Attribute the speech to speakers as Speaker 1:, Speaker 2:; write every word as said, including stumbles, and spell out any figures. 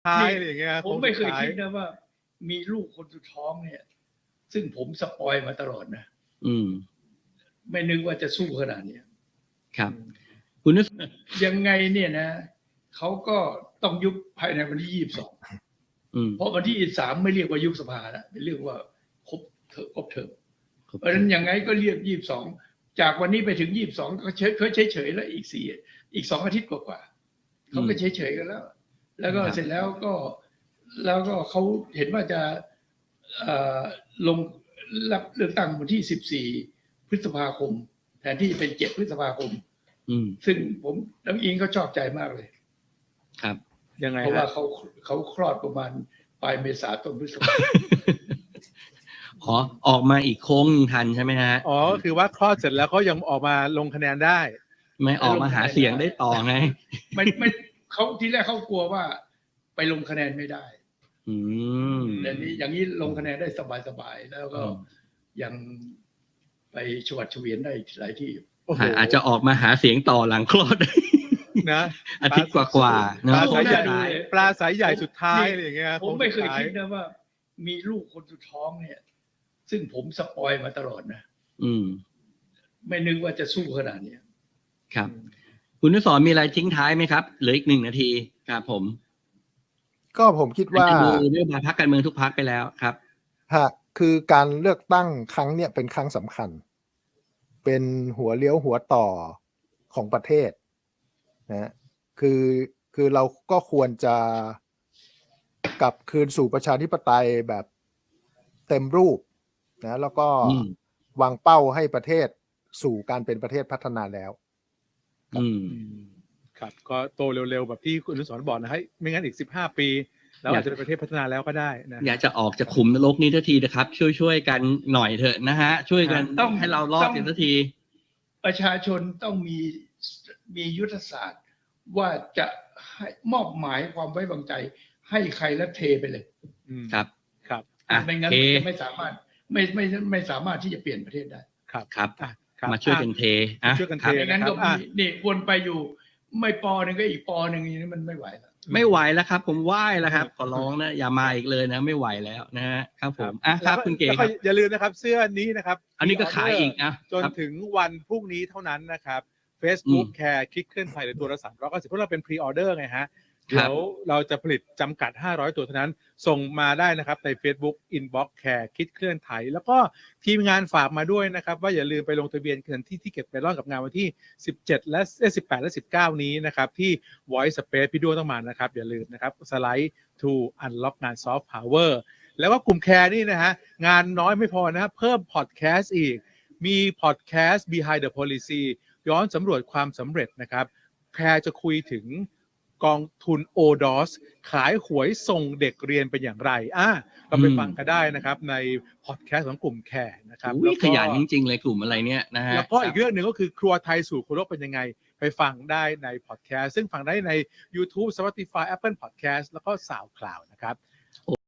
Speaker 1: ท้ายอะไรอย่างเงี้ย
Speaker 2: ผมไม่เคยคิดนะว่ามีลูกคนสุดท้องเนี่ยซึ่งผมสปอยมาตลอดนะ
Speaker 3: อืม
Speaker 2: ไม่นึกว่าจะสู้ขนาดนี้
Speaker 3: ครับคุณนึก
Speaker 2: ยังไงเนี่ยนะเขาก็ต้องยุบภายในวันที่ยี่สิบสองเพราะวันที่ยี่สิบสามไม่เรียกว่ายุบสภาแล้วเป็นเรื่องว่าครบเถอะครบเถอะเพราะฉะนั้นยังไงก็เรียกยี่สิบสองจากวันนี้ไปถึงยี่สิบสองก็เฉยเฉยเฉยแล้วอีกสี่อีกสองอาทิตย์กว่าๆเขาก็เฉยเฉยกันแล้วแล้วก็เสร็จแล้วก็แล้วก็เขาเห็นว่าจะลงรับเลือกตั้งวันที่สิบสี่พฤษภาคมแทนที่จะเป็นเจ็ดพฤษภาคมซึ่งผมน้องอิงก็ชอบใจมากเลย
Speaker 3: ครับ
Speaker 1: ยังไง
Speaker 2: เพราะว่าเขาเขาคลอดประมาณปลายเมษาต้นพฤษภา
Speaker 3: ขอออกมาอีกโค้งทันใช่ไหมฮะ
Speaker 1: อ๋อคือว่าคลอดเสร็จแล้วเขายังออกมาลงคะแนนได้
Speaker 3: ไม่ออกมาหาเสียงได้ต่อไง
Speaker 2: ไม่ไม่เขาทีแรกเขากลัวว่าไปลงคะแนนไม่ได้
Speaker 3: อืม
Speaker 2: แต่นี้อย่างนี้ลงคะแนนได้สบายๆแล้วก็ยังไปชวัดเฉวียนได้หลายที่
Speaker 3: อาจจะออกมาหาเสียงต่อหลังคลอด
Speaker 1: นะ
Speaker 3: อาทิตย์กว่าๆ
Speaker 1: ปลาสายใหญ่ปลาสายใหญ่สุดท้ายอะไรอย่างเงี้ย
Speaker 2: ผมไม่เคยคิดนะว่ามีลูกคนสุดท้องเนี่ยซึ่งผมสปอยมาตลอดนะ
Speaker 3: อืม
Speaker 2: ไม่นึกว่าจะสู้ขนาดนี้
Speaker 3: ครับคุณนุสรมีอะไรทิ้งท้ายไหมครับเหลืออีกหนึ่งนาทีครับผม
Speaker 4: ก็ผมคิดว่า
Speaker 3: ดูเรื่องพรรคการเมืองทุกพรรคไปแล้วครับ
Speaker 4: ฮะคือการเลือกตั้งครั้งเนี้ยเป็นครั้งสำคัญเป็นหัวเลี้ยวหัวต่อของประเทศนะคือคือเราก็ควรจะกลับคืนสู่ประชาธิปไตยแบบเต็มรูปนะแล้วก็วางเป้าให้ประเทศสู่การเป็นประเทศพัฒนาแล้ว
Speaker 3: อืม
Speaker 1: ครับก็โตเร็วๆแบบที่คุณอนุสรณ์บอกนะให้ไม่งั้นอีกสิบห้าปีแล้วอาจจะเป็นประเทศพัฒนาแล้วก็ได้นะ
Speaker 3: อยากจะออกจากขุมนรกนี้ทันทีนะครับช่วยๆกันหน่อยเถอะนะฮะช่วยกันต้องให้เรารอดกันทันที
Speaker 2: ประชาชนต้องมีมียุทธศาสตร์ว่าจะให้มอบหมายความไว้วางใจให้ใครและเทไปเลย
Speaker 3: ครับ
Speaker 2: ครับไม่งั้นไม่สามารถไม่ไม่ไม่สามารถที่จะเปลี่ยนประเทศได้
Speaker 3: ครับครับมาช่วยกันเท
Speaker 1: ช่วยกันเท
Speaker 2: งั้นก็นี่วนไปอยู่ไม่ปอหนึ่งก็อีกปอหนึ่งนี้มันไม่ไหวแล้ว
Speaker 3: ไม่ไหวแล้วครับผมไหว้แล้วครับขอร้องนะอย่ามาอีกเลยนะไม่ไหวแล้วนะฮะครับผมอ่ะครับคุณเก๋ครับ
Speaker 1: อย่าลืมนะครับเสื้อนี้นะครับ
Speaker 3: อันนี้ก็ขายอีกนะ
Speaker 1: จนถึงวันพรุ่งนี้เท่านั้นนะครับ Facebook Care คลิกเคลื่อนไทยหรือตัวละสามร้อยเก้าสิบเพราะเราเป็นพรีออเดอร์ไงฮะเดี๋ยวเราจะผลิตจำกัดห้าร้อยตัวเท่านั้นส่งมาได้นะครับใน Facebook Inbox Care คิดเคลื่อนไทยแล้วก็ทีมงานฝากมาด้วยนะครับว่าอย่าลืมไปลงทะเบียนกันที่ที่เก็บเมลอนกับงานวันที่สิบเจ็ดและสิบแปดและสิบเก้านี้นะครับที่ Voice Space พี่ด้วงต้องมานะครับอย่าลืมนะครับสไลด์ to unlock งาน Soft Power แล้วก็กลุ่ม Care นี่นะฮะงานน้อยไม่พอนะเพิ่มพอดแคสต์อีกมีพอดแคสต์ Behind the Policy ย้อนสำรวจความสำเร็จนะครับแคร์จะคุยถึงกองทุน โอ ดอ เอส ขายหวยส่งเด็กเรียนเป็นอย่างไรอ่ะเราไปฟังกันได้นะครับในพอดแคสต์ของกลุ่มแคร์นะครับ
Speaker 3: แล้วขยันจริงๆเลยกลุ่มอะไรเนี้ยนะฮะ
Speaker 1: แล้วก็อีกเรื่องหนึ่งก็คือครัวไทยสู่ครัวโลกเป็นยังไงไปฟังได้ในพอดแคสต์ซึ่งฟังได้ใน YouTube Spotify Apple Podcast แล้วก็ SoundCloud นะครับ